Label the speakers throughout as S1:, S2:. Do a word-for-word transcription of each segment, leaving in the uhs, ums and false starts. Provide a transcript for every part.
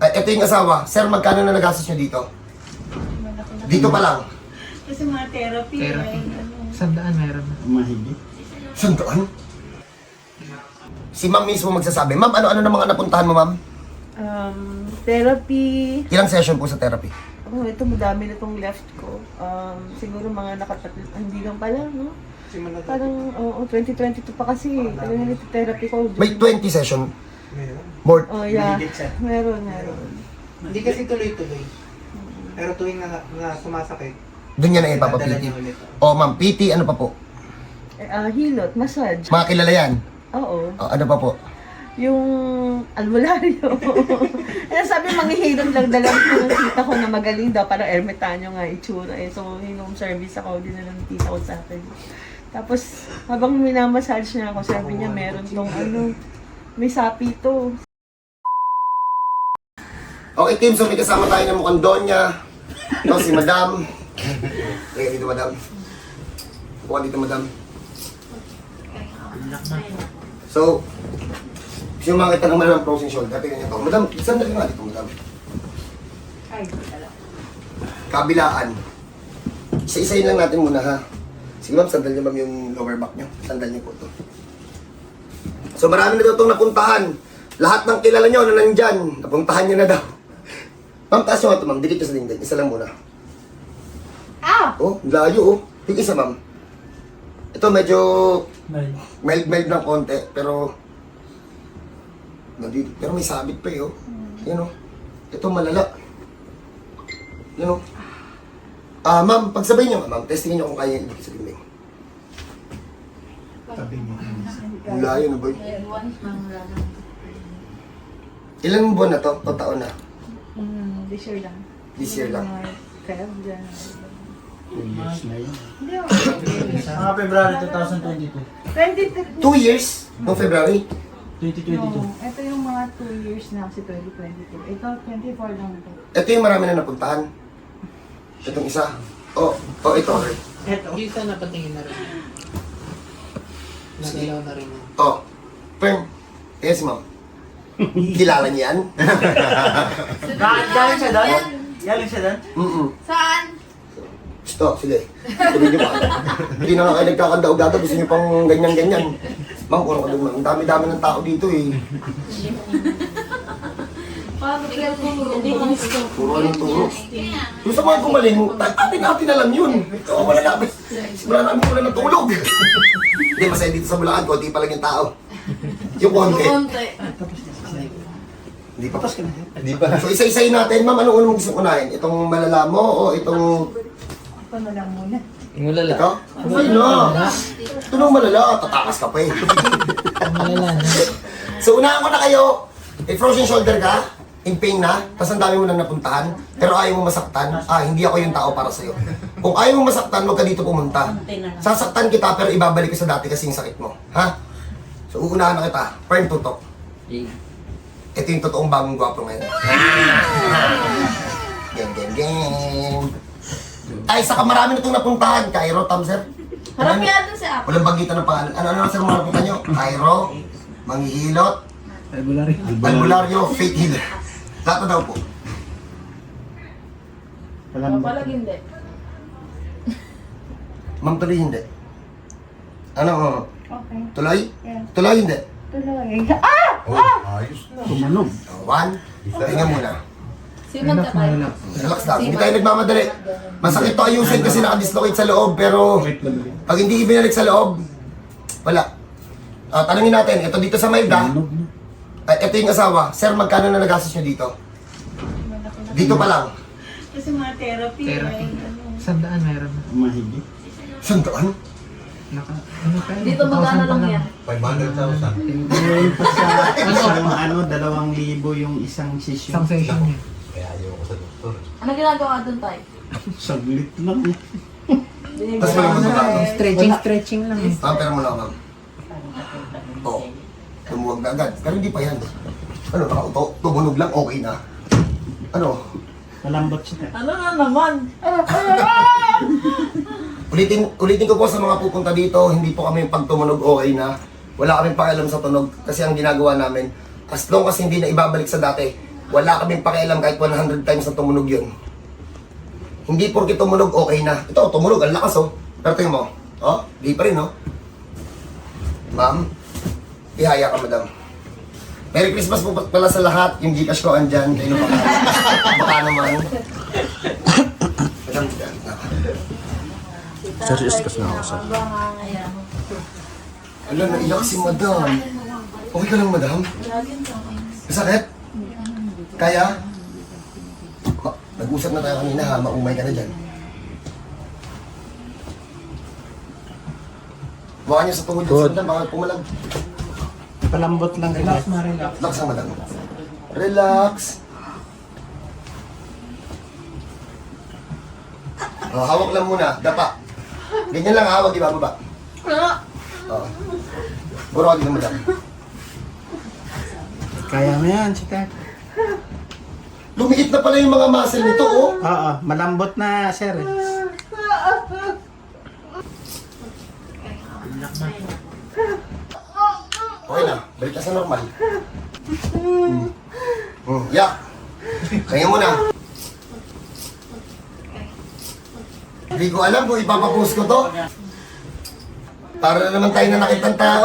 S1: Ay, ito yung asawa. Sir, magkano na nagastos nyo dito? Dito pa lang.
S2: Kasi mga therapy.
S3: Therapy.
S2: Ay, ano.
S3: Sandaan meron na.
S4: Mahigit.
S1: Sandaan? Si ma'am mismo magsasabi. Ma'am, ano-ano na mga napuntahan mo, ma'am?
S2: Um, therapy.
S1: Ilang session po sa therapy?
S2: Oh, ito madami na itong left ko. Um, siguro mga nakatatlo. Hindi lang pala, no? Parang, oo, twenty twenty-two pa kasi. Talagang ito therapy ko.
S1: May twenty session. More.
S2: Oh, yeah.
S4: Mahigit siya.
S2: Meron, meron.
S3: Hindi kasi tuloy-tuloy. Pero tuwing na, na sumasakit,
S1: Doon yan na
S3: dadala
S1: ipapapiti.
S3: niya ulit.
S1: O ma'am, P T, ano pa po?
S2: Eh, ah, hilot, massage.
S1: Mga kilala yan.
S2: Oo.
S1: O, ano pa po?
S2: Yung albularyo. eh, sabi, manghihilot lang dalang ko ng tita ko na magaling daw. Parang ermitanyo nga itsura. Eh. So, home service ako, din na ng tita ko sa akin. Tapos, habang minamassage niya ako, sabi niya, meron tong ano, may sapi to.
S1: Okay, team, so may kasama tayo ng mukhang Donya. Ito si Madam. Kaya dito, Madam. Buka dito, Madam. So, gusto yung makita naman ng frozen shoulder. Tingnan niyo ito. Madam, sandali nga dito, Madam. Kabilaan. Isa-isayin lang natin muna, ha? Sige, ma'am, sandal niyo, ma'am, yung lower back niyo. Sandal niyo po ito. So, marami na daw itong napuntahan. Lahat ng kilala niyo na nandyan, napuntahan niyo na daw. Ma'am, taas nyo nga ito, ma'am. Dikit nyo sa dingding. Isa lang muna.
S2: Ah!
S1: Oh, layo, oh. Yung isa, ma'am. Ito, medyo mild-mild ng konti, pero... Nandito. Pero may sabit pa, eh, oh. Yan, oh. Ito, malala. Yan, oh. Ah, ma'am, pagsabay nyo, ma'am. Testingin nyo kung kaya yung dikit sa dingding.
S4: Sabi mo.
S1: Ang layo na, boy. Ilang buwan na to? O taon na?
S2: Mm, this year lang.
S1: This year lang.
S2: Kaya, dyan.
S4: Two years na yun.
S2: Hindi ako.
S5: Mga February twenty twenty-two.
S2: twenty-two.
S1: Two years? No February?
S5: twenty twenty-two.
S2: No, ito yung mga two years na kasi twenty twenty-two. Ito, twenty-four lang ito.
S1: Ito yung marami na napuntahan. Itong isa. Oh, oh, ito.
S2: Ito.
S3: Yung isa napatingin na rin. Nagalaw na rin. yan.
S1: Oh, Pern. Yes, ma'am. Kilala niya yan?
S5: Bakit galing siya doon? Galing siya doon?
S1: Mm-mm.
S6: Saan?
S1: Stop, sige. Tuloy niyo pa. Hindi na nga kayo nagkakandaog-daga. Gusto niyo pang ganyan-ganyan. Ma'am, kurang ka doon, ma'am. Ang dami-dami ng tao dito, eh.
S6: Paano ka
S1: Puro anong turo. Yung sa mga gumaling, atin natin alam yun. Ito, wala namin. Wala namin wala ng tulog. Hindi, masaya dito sa Bulacan. Konti pa lang yung tao. Yung konti.
S6: Konti.
S1: Hindi pa. Hindi pa. So, isa-isayin natin. Ma'am, anong unang gusto unahin? Itong malala mo o itong...
S2: Ito na lang muna.
S3: Yung malala.
S1: Ito? Ay, no. Ito nung malala. Tatakas ka pa eh.
S3: Yung malala na.
S1: So, unahan ko na kayo. May frozen shoulder ka. In pain na. Tapos ang dami mo nang napuntahan. Pero ayaw mo masaktan. Ah, hindi ako yung tao para sa'yo. Kung ayaw mo masaktan, huwag ka dito pumunta. Sasaktan kita pero ibabalik ko sa dati kasi yung sakit mo. Ha? So, uunahan na kita. Firm tutok. Ito yung totoong bagong gwapo ngayon. Gang, gang, gang. Ay, saka marami na itong napuntahan. Cairo, Tam, sir.
S6: Harap kaya doon si Apo.
S1: Walang bagitan ng pangalan. Ano-ano sir mga napuntahan nyo? Cairo, Manghihilot,
S5: February.
S1: Albularyo, Fake Healer. Lahat na daw po.
S4: Alam mo.
S6: Papalag hindi.
S1: Ma'am, tuloy hindi. Ano?
S2: Okay.
S1: Tuloy?
S2: Yeah.
S1: Tuloy hindi.
S2: Tuloy. Ah!
S4: Tumanog.
S1: Oh, one. Tingnan muna.
S6: Simon ka tayo.
S1: Relax lang. Hindi tayo nagmamadali. Masakit to ayusin kasi nakadislocate sa loob, pero pag hindi ibinalik sa loob, wala. Ah, tanungin natin, ito dito sa Mayda,
S4: Tumanog na.
S1: at ito yung asawa. Sir, magkano na nagastos nyo dito? Dito pa lang.
S2: Kasi mga therapy.
S3: Therapy.
S2: Ay, ano.
S3: Sandaan meron na.
S4: Mahigit.
S1: Sandaan?
S3: Naka, ano pa yun?
S6: Dito magkano lang yan?
S7: five hundred thousand.
S4: Ngayon pa sa isang ano, dalawang libo yung isang session.
S3: Isang session niya.
S7: Kaya ayaw ko sa doktor.
S6: Ano ginagawa doon tayo?
S4: Saglit lang eh.
S1: Tapos wala mo ba?
S3: Stretching, stretching lang eh.
S1: Ma'am, pero mo lang, ma'am. Oo. Tumuwag na agad. Pero hindi pa yan. Ano, nakauto? Tumunog lang, okay na. Ano?
S4: Malambot siya.
S6: Ano na naman?
S1: Ulitin, ulitin ko po sa mga pupunta dito, hindi po kami pag tumunog okay na. Wala kaming pakialam sa tunog kasi ang ginagawa namin, as long as hindi na ibabalik sa dati, Wala kaming pakialam kahit one hundred times na tumunog yun. Hindi porke tumunog, okay na. Ito, tumunog, ang lakas oh. Pero tingin mo, oh, di pa rin oh. Ma'am, ihaya ka madam. Merry Christmas po pala sa lahat. Yung Gcash ko andyan. Kayo baka, baka naman. Madam, dyan.
S8: Serious kasi na ako sa...
S1: Ala, naiyak si madam. Okay ka lang madam? Masakit? Kaya? Ma- Nag-usap na tayo kanina ha, maumay ka na dyan. Baka niyo sa tuhod dyan sa madam, baka pumalag.
S4: Palambot lang
S3: Relax,
S4: relax.
S3: ma-relax.
S1: Relax ang madam. Relax. Oh, hawak lang muna, dapa. Ganyan lang hawak, di ba baba? Oo. Buro ka din madam.
S4: Kaya mo yan, sita.
S1: Lumiit na pala yung mga muscle nito, oh.
S4: Oo, malambot na, sir. eh.
S1: Okay na, balik ka sa normal. Hmm. Hmm. Yeah. Kaya mo na. Hindi ko alam kung ipapapost ko to. Para na naman tayo na nakitang tao.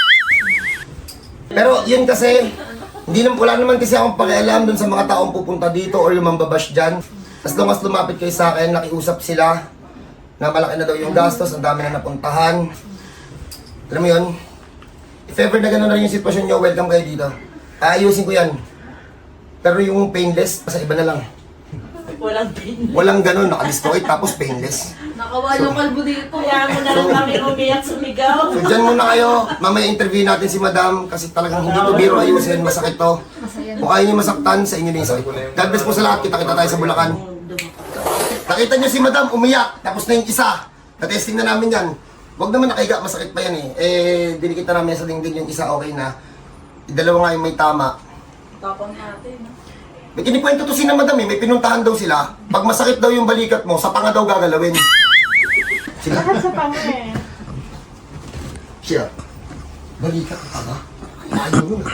S1: Pero yun kasi, hindi naman, wala naman kasi akong pakialam dun sa mga taong pupunta dito or yung mambabash dyan. As long as lumapit kayo sa akin, nakiusap sila na malaki na daw yung gastos, ang dami na napuntahan. Alam mo yun? If ever na gano'n na yung sitwasyon nyo, welcome kayo dito. Aayusin ko yan. Pero yung painless, sa iba na lang.
S2: Walang pin.
S1: Walang gano'n, nakadestroy tapos painless.
S6: Nakawalong kalbo dito.
S2: Kaya mo na lang kami umiyak sumigaw.
S1: So dyan muna kayo, mamaya interview natin si madam kasi talagang hindi to biro ayusin, masakit to. Kung ayaw niyo masaktan, sa inyo na yung sakit. God bless po sa lahat, kita-kita tayo sa Bulacan. Nakita niyo si madam umiyak, tapos na yung isa. Na-testing na namin yan. Huwag naman nakahiga, masakit pa yan eh. Eh, dinikita namin sa dingding yung isa okay na. Dalawa nga yung may tama.
S6: Tapang natin. no?
S1: May kinikwento to si na madam eh, may pinuntahan daw sila. Pag masakit daw yung balikat mo, sa panga daw gagalawin. Sila?
S2: Sa panga eh.
S1: Siya. Balikat ka ba? Ayaw mo na.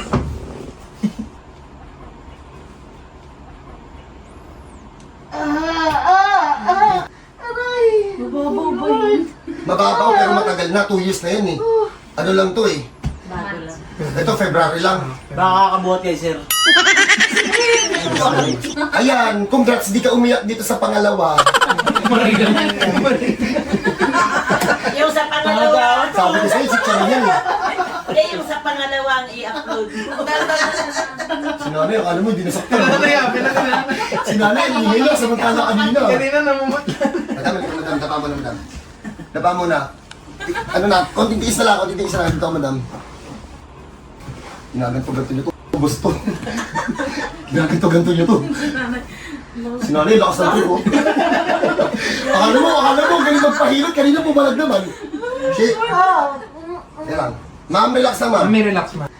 S6: Mababaw ba yun?
S1: Mababaw pero matagal na, two years na yun eh. Ano lang to eh.
S6: Bago lang.
S1: Ito, February lang.
S5: Baka kakabuhat kayo, sir.
S1: Ayan, congrats, di ka umiyak dito sa pangalawa.
S2: Yung sa pangalawa.
S1: Sabi ko sa'yo, si Charon yan eh.
S2: Eh, yung sa pangalawa ang i-upload mo.
S1: Si nanay, akala mo, hindi nasaktan. Si nanay, hindi lang, samantala kanina.
S3: Kanina namumot.
S1: Madam, madam, dapa mo na, madam. Dapa mo na. Ano na, konting tiis na lang, konting tiis na lang dito, madam. Ginaganto ganto nyo to. Ubus to. Ginaganto ganto nyo to. Si nanay, lakas ng tuko. Akala mo, akala mo, galing magpahilot. Kanina pumalag naman. Shit. Yan lang. Ma'am, relax na ma'am.
S3: Mami, relax, ma.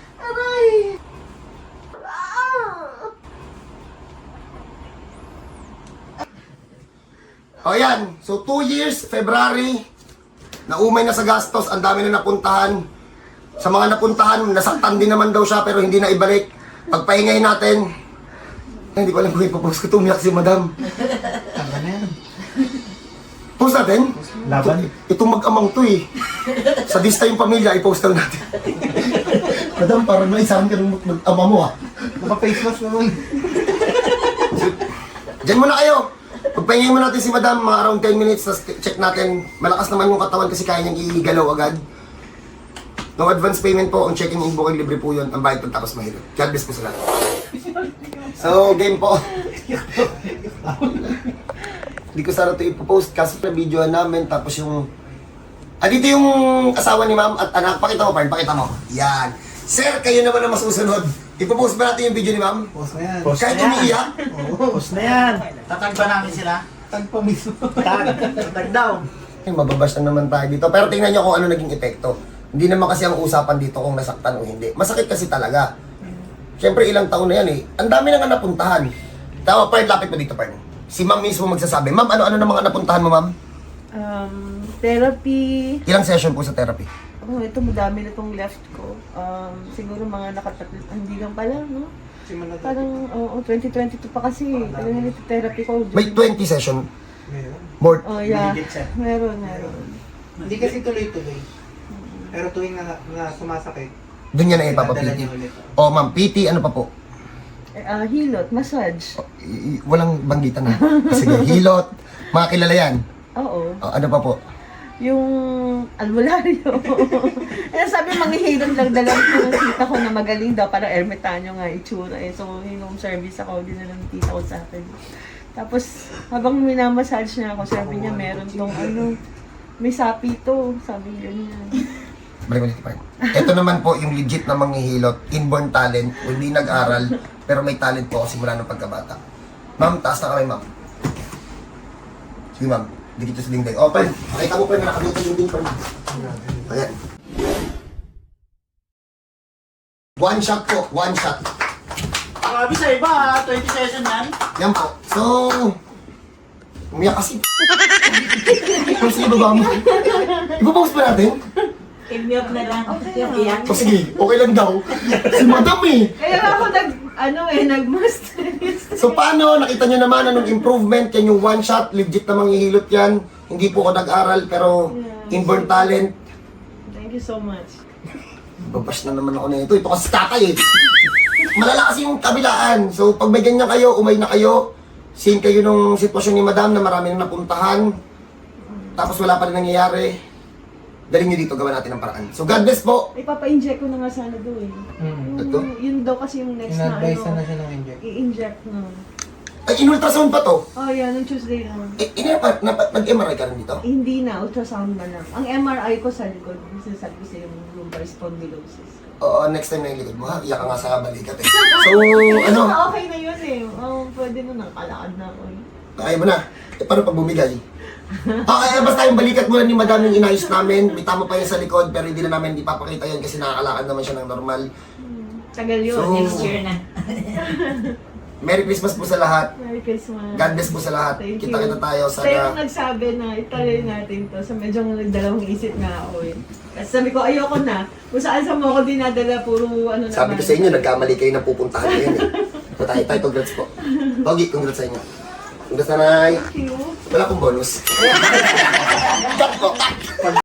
S1: O yan, so two years, February, naumay na sa gastos, ang dami na napuntahan. Sa mga napuntahan, nasaktan din naman daw siya pero hindi na ibalik. Pagpahingayin natin, eh, hindi ko alam kung ipapost ko, tumiyak si madam.
S4: Tama na yan.
S1: Post natin?
S4: Laban.
S1: Ito, itong mag-amang to eh. Sa Dista yung pamilya, i-post lang natin. Madam, parang naisahan ka ng mag-ama mo ah.
S3: Naka-face mask naman.
S1: Diyan muna kayo. Pagpahingayin mo natin si madam, mga around ten minutes, tapos check natin. Malakas naman yung katawan kasi kaya niyang igalaw agad. No advance payment po, ang checking in booking libre po yun. Ang bayad pagtapos mahirap. God bless po sa lahat. So, game po. Hindi ko sana ito ipopost kasi na video namin tapos yung... Ah, dito yung asawa ni ma'am at anak. Pakita mo, Parn, pakita mo. Yan. Sir, kayo naman ang masusunod. Ipopost ba natin yung video ni ma'am?
S3: Post na yan.
S4: Post
S1: Kahit
S4: na yan.
S1: umiiyak?
S4: Post na yan.
S5: Tatag ba namin sila?
S3: Tag pa mismo.
S4: Tag.
S5: Tatag daw.
S1: Ay, mababash na naman tayo dito. Pero tingnan nyo kung ano naging epekto. Hindi naman kasi ang usapan dito kung nasaktan o hindi. Masakit kasi talaga. Siyempre ilang taon na yan eh. Ang dami na nga napuntahan. Tawa, Parn, lapit mo dito, Parn. Si ma'am mismo magsasabi. Ma'am, ano-ano na mga napuntahan mo, ma'am?
S2: Um, therapy.
S1: Ilang session po sa therapy?
S2: Oh, ito madami na itong left ko. Um, siguro mga nakatatlo, hindi lang pala, no?
S3: Simula dati.
S2: Parang, oo, twenty twenty-two pa kasi. Talagang therapy ko.
S1: May twenty session.
S3: Meron.
S1: More.
S2: Oh, yeah.
S4: Mahigit siya.
S2: Meron, meron.
S3: Hindi kasi tuloy-tuloy. Pero tuwing na, na sumasakit,
S1: Doon niya na
S3: dadala
S1: ipapapiti.
S3: niya ulit.
S1: O ma'am, P T, ano pa po?
S2: Eh, ah, hilot, massage.
S1: O, i- i- walang banggitan na. Sige, hilot. Mga kilala yan.
S2: Oo.
S1: O, ano pa po?
S2: Yung albularyo. eh, sabi, manghihilot lang dalang ko ng tita ko na magaling daw. Parang ermitanyo nga itsura eh. So, home service ako, din na lang tita ko sa akin. Tapos, habang minamassage niya ako, sabi niya, meron tong ano, may sapi to. Sabi ganyan.
S1: Balik ulit pa. Ito naman po yung legit na manghihilot, inborn talent, hindi nag-aral, pero may talent po ako simula ng pagkabata. Ma'am, taas na kamay, ma'am. Sige, ma'am. Dikit sa dingding. Open. Pakita mo pa na nakadito yung dingding pa. Ayan. One shot po. One shot.
S4: Grabe sa iba ha, twenty session yan.
S1: Yan po. So, umiyak kasi. Kung sige, baba mo. Ipapost pa natin?
S6: I-mute na lang. Yung iyak.
S1: O sige, okay lang daw. Si madam eh.
S2: Kaya ako nag, ano eh, nag-master.
S1: So paano? Nakita nyo naman anong improvement. Yan yung one shot. Legit na manghihilot yan. Hindi po ako nag-aral pero inborn talent.
S2: Thank you so much.
S1: Babash na naman ako na ito. Ito kasi tatay eh. Malala kasi yung kabilaan. So pag may ganyan kayo, umay na kayo. Same kayo nung sitwasyon ni madam na marami nang napuntahan. Tapos wala pa rin nangyayari. Daling nyo dito, gawa natin ang paraan. So God bless po.
S2: Ipapa-inject ko na nga sana doon.
S3: Hmm.
S1: Ito?
S2: Yung, yun daw kasi yung next na
S3: In-advise na
S2: ano,
S3: siya ng inject.
S2: i-inject na.
S1: Ay, in-ultrasound pa to.
S2: Oh, yeah, nung Tuesday na.
S1: Eh, ina pa, napa- nag-M R I ka rin dito?
S2: Eh, hindi na, ultrasound na lang. Ang M R I ko sa likod, sinasabi ko sa yung lumbar spondylosis.
S1: Oo, next time na yung likod mo ha. Iyak ka nga sa balikat eh. So, ano?
S2: Ah, okay na yun eh. Oh, pwede na, nakalakad na ako. eh.
S1: Kaya mo na. Eh, paano pag bumigay? Okay, basta yung balikat muna ni madam yung inayos namin. May tama pa yan sa likod, pero hindi na namin ipapakita yan kasi nakakalakad naman siya ng normal.
S2: Tagal yun.
S1: So,
S6: Next year na.
S1: Merry Christmas po sa lahat.
S2: Merry Christmas.
S1: God bless po sa lahat.
S2: Thank you.
S1: Kita-kita tayo.
S2: Siya yung
S1: Sana
S2: nagsabi na itaray natin to. So medyo nagdalawang isip nga ako eh. Kasi sabi ko, ayoko na. Kung saan sa mo ako dinadala, puro ano naman.
S1: sabi ko sa inyo, nagkamali kayo na pupuntahan ngayon eh. So, tayo, tayo, congrats po. Pogi, congrats sa inyo. Congrats nanay.
S2: Thank you.
S1: Wala akong bonus. Jackpot!